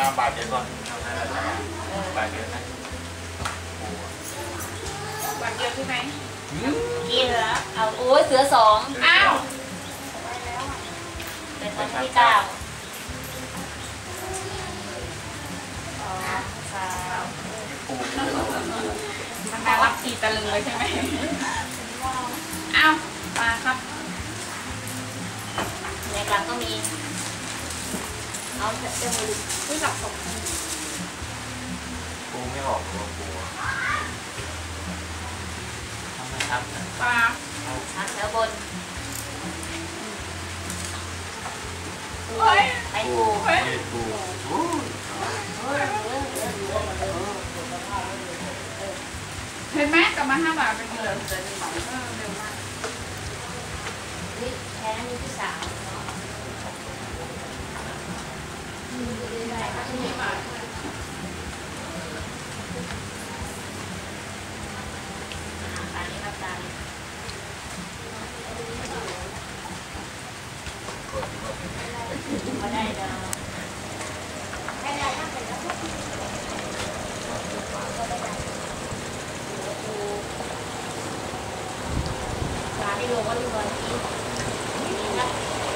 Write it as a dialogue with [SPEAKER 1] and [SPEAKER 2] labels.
[SPEAKER 1] บาทเดียวก่อนทำให้เราบาทเดียวนะ
[SPEAKER 2] บาทเดียวใช่ไหม
[SPEAKER 3] กินเหรอเอาโอ้ยเสือสอง
[SPEAKER 2] อ้าว
[SPEAKER 3] เป็นคนที่เก้า
[SPEAKER 2] มันน่ารักทีตะลึงเลยใช่ไหมอ้าวมาครับ
[SPEAKER 3] ในกลางก็มีเอาเจ้ามือที่หลับตก
[SPEAKER 1] ปูไม่ออกตัวปูทำไมครับ
[SPEAKER 2] ปลา
[SPEAKER 3] ชั้นแถวบนไปปู
[SPEAKER 1] ปู
[SPEAKER 2] เห็นไหมกลับมา5 บาทเป็นเงินเร็วมาก
[SPEAKER 3] นี่แพ้นี่ที่3เนาะไม่ได้เนาะไม่ได้ถ้าเป็นแล้วร้านที่ลงก็ที่วันนี้นะ